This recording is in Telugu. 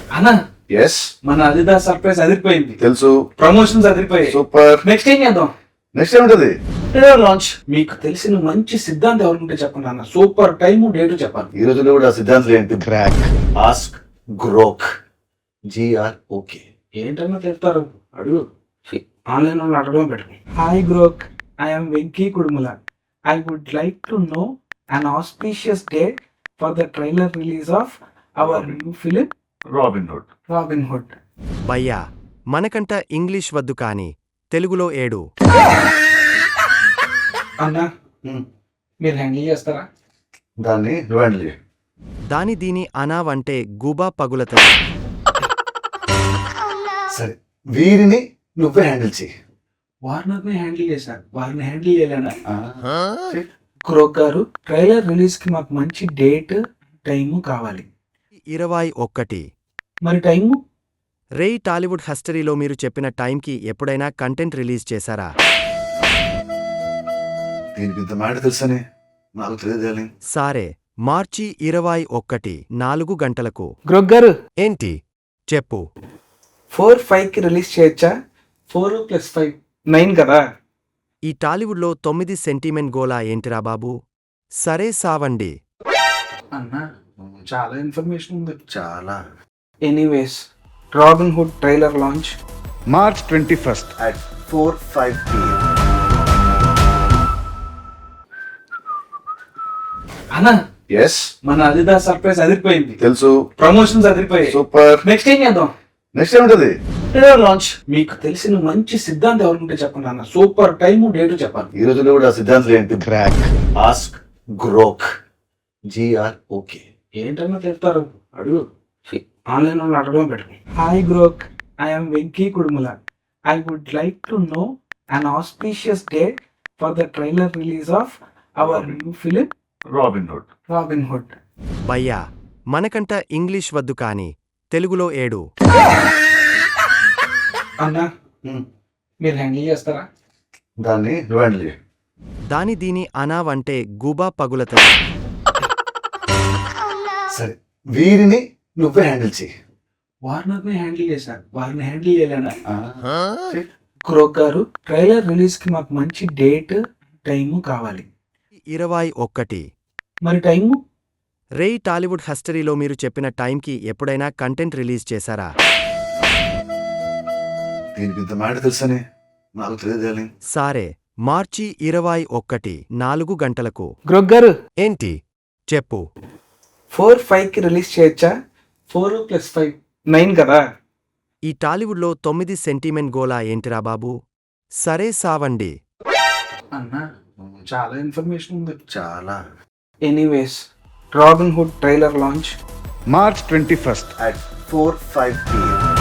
అన్నా ఎస్ మన అదిదాస్ సర్ప్రైజ్ అదిరిపోయింది. తెలుసు. ప్రమోషన్స్ అదిరిపోయాయి. సూపర్. నెక్స్ట్ ఏం చేద్దాం? నెక్స్ట్ ఏముంటది? లాంచ్. మీకు తెలిసిన మంచి సిద్ధాంతం ఎవరుంటే చెప్పండి అన్న. సూపర్ టైము డేటు చెప్పాలి. ఈ రోజుల్లో కూడా ఆ సిద్ధాంతం ఏంటి? Crack, ask, Grok, GROK. ఏంటన్నా చెప్తారు? అడుగు. ఆన్లైన్ వాళ్ళు అడగడం పెట్టు. Hi Grok, I'm Venky Kudumula. I would like to know an auspicious date for the trailer release of our new film Robin Hood. భయ్యా, మనకంట ఇంగ్లీష్ వద్దు కాని తెలుగులో ఏడు. అన్నా మీరు హ్యాండిల్ చేస్తారా? దాన్ని రివైండ్ చేయి. దాని దీని అనావంటే గూబా పగులతది. సరే, వీరిని నువ్వే హ్యాండిల్ చేయి. వార్నర్ని హ్యాండిల్ చేశారు, వారిని హ్యాండిల్ చేయలేనా? క్రోక్ గారు, ట్రైలర్ రిలీజ్ కి మాకు మంచి డేట్ టైము కావాలి. 21. మరి టైము? రేయ్, టాలీవుడ్ హిస్టరీలో మీరు చెప్పిన టైంకి ఎప్పుడైనా కంటెంట్ రిలీజ్ చేశారా? దీనికి ఇంత మాట తెలుసని నాకు తెలియదు. సారే, మార్చి 21, 4 గంటలకు. క్రోక్ గారు, ఏంటి చెప్పు. 4-5 కి రిలీజ్ చేయొచ్చా? 4 + 5 9 కదా. ఈ టాలీవుడ్లో 9 సెంటిమెంట్ గోలా ఏంటిరా బాబు? సరే సావండి. అన్నా చాలా ఇన్ఫర్మేషన్ ఉంది. చాలా. Anyways, Robin Hood trailer launch March 21st at 4:05 PM. అన్నా ఎస్ మన అదిదాస్ సర్ప్రైజ్ అదిరిపోయింది. తెలుసు. ప్రమోషన్స్ అదిరిపోయాయి. సూపర్. నెక్స్ట్ ఏం చేద్దాం? నెక్స్ట్ ఏముంటది? లాంచ్. మీకు తెలిసిన మంచి సిద్ధాంతం ఎవరుంటే చెప్పండి అన్న. సూపర్ టైము డేటు చెప్పాలి. ఈ రోజుల్లో కూడా ఆ సిద్ధాంతం ఏంటి? Crack, ask, Grok, GROK. ఏంటన్నా చెప్తారు? అడుగు. ఆన్లైన్ వాళ్ళు అడగడం పెట్టు. Hi Grok, I'm Venky Kudumula. I would like to know an auspicious date for the trailer release of our new film Robin Hood. భయ్యా, మనకంట ఇంగ్లీష్ వద్దు కాని తెలుగులో ఏడు. అన్నా మీరు హ్యాండిల్ చేస్తారా? దాన్ని రివైండ్ చేయి. దాని దీని అనావంటే గూబా పగులతది. సరే, వీరిని నువ్వే హ్యాండిల్ చేయి. వార్నర్ని హ్యాండిల్ చేశారు, వారిని హ్యాండిల్ చేయలేనా? క్రోక్ గారు, ట్రైలర్ రిలీజ్ కి మాకు మంచి డేట్ టైము కావాలి. 21. మరి టైము? రేయ్, టాలీవుడ్ హిస్టరీలో మీరు చెప్పిన టైంకి ఎప్పుడైనా కంటెంట్ రిలీజ్ చేశారా? దీనికి ఇంత మాట తెలుసని నాకు తెలియదు. సారే, మార్చి 21, 4 గంటలకు. క్రోక్ గారు, ఏంటి చెప్పు. 4-5 కి రిలీజ్ చేయొచ్చా? 4 + 5 9 కదా. ఈ టాలీవుడ్లో 9 సెంటిమెంట్ గోలా ఏంటిరా బాబు? సరే సావండి. అన్నా చాలా ఇన్ఫర్మేషన్ ఉంది. చాలా. Anyways, Robin Hood trailer launch March 21st at 4:05 PM.